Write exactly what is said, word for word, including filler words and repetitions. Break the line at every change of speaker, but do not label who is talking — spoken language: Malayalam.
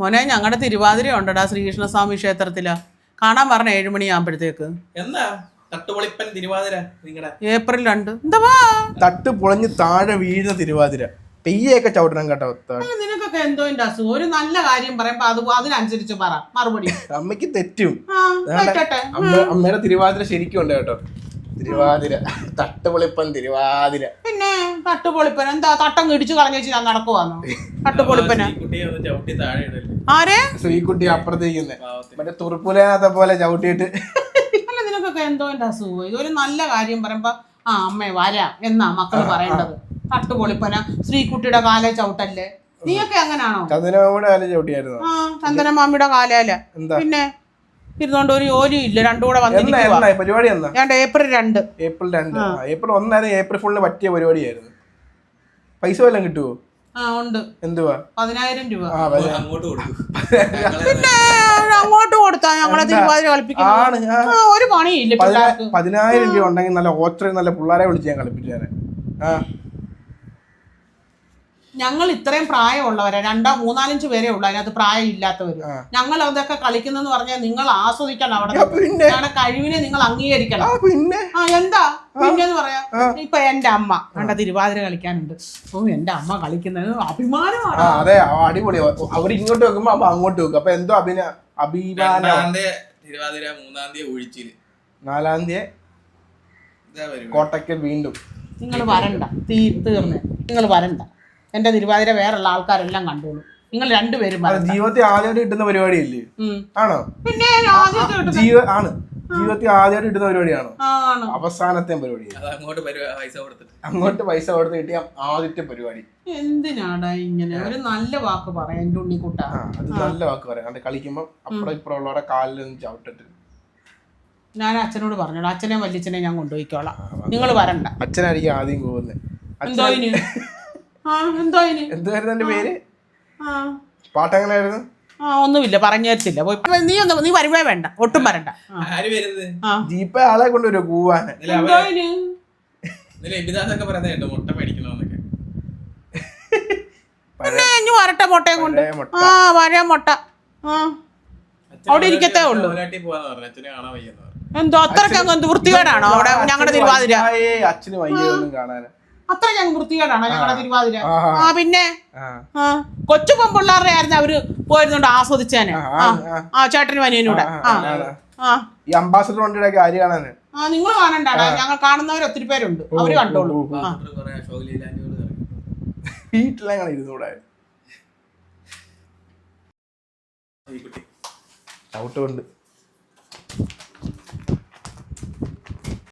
മോനെ ഞങ്ങളുടെ തിരുവാതിര ഉണ്ടടാ ശ്രീകൃഷ്ണസ്വാമി ക്ഷേത്രത്തിലാ. കാണാൻ പറഞ്ഞ ഏഴുമണിയാകുമ്പോഴത്തേക്ക്.
എന്താ തട്ടുപൊളിപ്പൻ തിരുവാതിര നിങ്ങളുടെ
ഏപ്രിൽ രണ്ട്. എന്താ
തട്ട് പൊളഞ്ഞ് താഴെ വീഴുന്ന തിരുവാതിര. പെയ്യൊക്കെ ചവിട്ടണം കേട്ടോ.
നിനക്കൊക്കെ എന്തോ അസുഖം. ഒരു നല്ല കാര്യം പറയുമ്പോ അത് അതിനനുസരിച്ച് പറ മറുപടി.
അമ്മയ്ക്ക് തെറ്റും.
കേട്ടെ
അമ്മയുടെ തിരുവാതിര ശരിക്കും ഉണ്ട് കേട്ടോ. തിരുവാതിര തട്ടുപൊളിപ്പൻ തിരുവാതിര.
പിന്നെ തട്ടുപൊളിപ്പൻ എന്താ തട്ടം ഇടിച്ചു കളഞ്ഞു വെച്ച് ഞാൻ നടക്കുവാന്നോ? തട്ടുപൊളിപ്പന ആരെ?
ശ്രീകുട്ടി അപ്പുറത്തേക്കുന്നെ മറ്റേ തുറുപ്പുലത്തെ പോലെ ചവിട്ടിയിട്ട്.
അല്ല നിനക്കൊക്കെ എന്തോ അസുഖം. ഇതൊരു നല്ല കാര്യം പറയുമ്പോ ആ അമ്മേ വരാം എന്നാ മക്കള് പറയേണ്ടത്. തട്ടുപൊളിപ്പന ശ്രീകുട്ടിയുടെ കാലേ ചവിട്ടല്ലേ. നീയൊക്കെ എങ്ങനാണോ?
ചന്ദനമാമിയുടെ കാലേ ചവിട്ടിയായിരുന്നു.
ആ ചന്ദനമാമിയുടെ കാലല്ല. പിന്നെ ഇരുന്നോണ്ട് ഒരു ജോലിയും ഇല്ല. രണ്ടും കൂടെ വന്നിരിക്കുവാ.
പരിപാടി എന്നാ?
ഏപ്രിൽ രണ്ട്.
ഏപ്രിൽ രണ്ട്. ഏപ്രിൽ ഒന്നായിരുന്നു ഏപ്രിൽ ഫുള്ളിന് പറ്റിയ പരിപാടിയായിരുന്നു. പൈസ വല്ലതും കിട്ടുവോ?
ആ ഉണ്ട്.
എന്തുവാ?
പതിനായിരം രൂപ.
പിന്നെ
അങ്ങോട്ട് കൊടുത്താ ഞങ്ങളെ തിരുവാതിര കളിപ്പിക്കുന്നു. ഒരു പണിയില്ല.
പതിനായിരം രൂപ ഉണ്ടെങ്കിൽ നല്ല ഓച്ചറി നല്ല പിള്ളേരെ വിളിച്ച് ഞാൻ കളിപ്പിച്ചേനെ. ആ
ഞങ്ങൾ ഇത്രയും പ്രായമുള്ളവരാ. രണ്ടോ മൂന്നാലഞ്ച് പേരേ ഉള്ളു അതിനകത്ത് പ്രായം ഇല്ലാത്തവര്. ഞങ്ങൾ അതൊക്കെ കളിക്കുന്നെന്ന് പറഞ്ഞാൽ നിങ്ങൾ ആസ്വദിക്കണം. അവിടെ ഞങ്ങളുടെ കഴിവിനെ നിങ്ങൾ അംഗീകരിക്കണം.
പിന്നെ
ആ എന്താ പിന്നെന്ന് പറയാ. ഇപ്പൊ എന്റെ അമ്മ കണ്ട തിരുവാതിര കളിക്കാനുണ്ട്. ഓ എന്റെ അമ്മ കളിക്കുന്നത് അഭിമാനമാണ്.
അതെ അടിപൊളി. അവർ ഇങ്ങോട്ട് വെക്കുമ്പോ അമ്മ അങ്ങോട്ട് വെക്കും. അപ്പൊ എന്തോ അഭിന അഭിമാനം.
തിരുവാതിര മൂന്നാം തീയതി ഒഴിച്ചില്.
നാലാം തീയതി കോട്ടയ്ക്കൽ വീണ്ടും.
നിങ്ങൾ വരണ്ട. തീ തീർന്ന് നിങ്ങൾ വരണ്ട. എന്റെ തിരുവാതിര വേറുള്ള ആൾക്കാരെല്ലാം കണ്ടോളൂ. നിങ്ങൾ രണ്ടുപേരും
ജീവിതത്തിൽ ആദ്യമായിട്ട് കിട്ടുന്ന പരിപാടിയല്ലേ? ആണോ?
പിന്നെ
ജീവ ആണ് ജീവിതത്തിൽ ആദ്യമായിട്ട് കിട്ടുന്ന പരിപാടിയാണോ? അവസാനത്തെ പരിപാടി. അങ്ങോട്ട് പൈസ കൊടുത്ത് കിട്ടിയ ആദ്യത്തെ പരിപാടി.
എന്തിനാടാ ഇങ്ങനെ ഒരു നല്ല വാക്ക് പറയാ എന്റെ ഉണ്ണിക്കുട്ട.
അത് നല്ല വാക്ക് പറയാം. കളിക്കുമ്പോ അപ്പുറം ഇപ്പുറം ഉള്ളവരെ കാലിലൊന്നും ചവിട്ടിട്ട്. ഞാൻ
അച്ഛനോട് പറഞ്ഞോളൂ. അച്ഛനെ വല്യച്ഛനെ ഞാൻ കൊണ്ടുപോയിക്കോളാം. നിങ്ങൾ വരണ്ട.
അച്ഛനായിരിക്കും ആദ്യം പോകുന്നത്.
എന്തോ
എന്തായിരുന്നു എന്റെ പേര്? പാട്ടെങ്ങനായിരുന്നു?
ആ ഒന്നുമില്ല പറഞ്ഞു തരത്തില്ല. നീ ഒന്ന് നീ വരുവേ വേണ്ട. ഒട്ടും വരണ്ട.
ജീപ്പ ആളെ കൊണ്ടുവരുമോ കൂവാന്?
പിന്നെ വരട്ടെ മുട്ടയും കൊണ്ട്. ആ വരാ മുട്ട. ആ അവിടെ ഇരിക്കത്തേ ഉള്ളൂ. എന്തോ അത്രയ്ക്ക് അങ്ങ് എന്ത് വൃത്തികേടാണോ അവിടെ ഞങ്ങളുടെ തിരുവാതിര?
അച്ഛന് വയ്യൊന്നും കാണാൻ
അത്ര ഞങ്ങൾ വൃത്തികേടാണോ ഞങ്ങളുടെ തിരുവാതിര? ആ പിന്നെ കൊച്ചു പെൺപിള്ളേരുടെ ആയിരുന്നു അവര് പോയിരുന്നോണ്ട് ആസ്വദിച്ചേനെ. ആ ചേട്ടനും അനിയനൂടെ.
ഈ അംബാസഡർ വണ്ടിയുടെ കാര്യം കാണാന്
ആ നിങ്ങൾ കാണണ്ടാടാ. ഞങ്ങൾ കാണുന്നവർ ഒത്തിരി പേരുണ്ട്. അവര് കണ്ടോളൂ.
വീട്ടിലെങ്ങനെ ഇരുന്നൂടെ? ചവിട്ട് കൊണ്ട്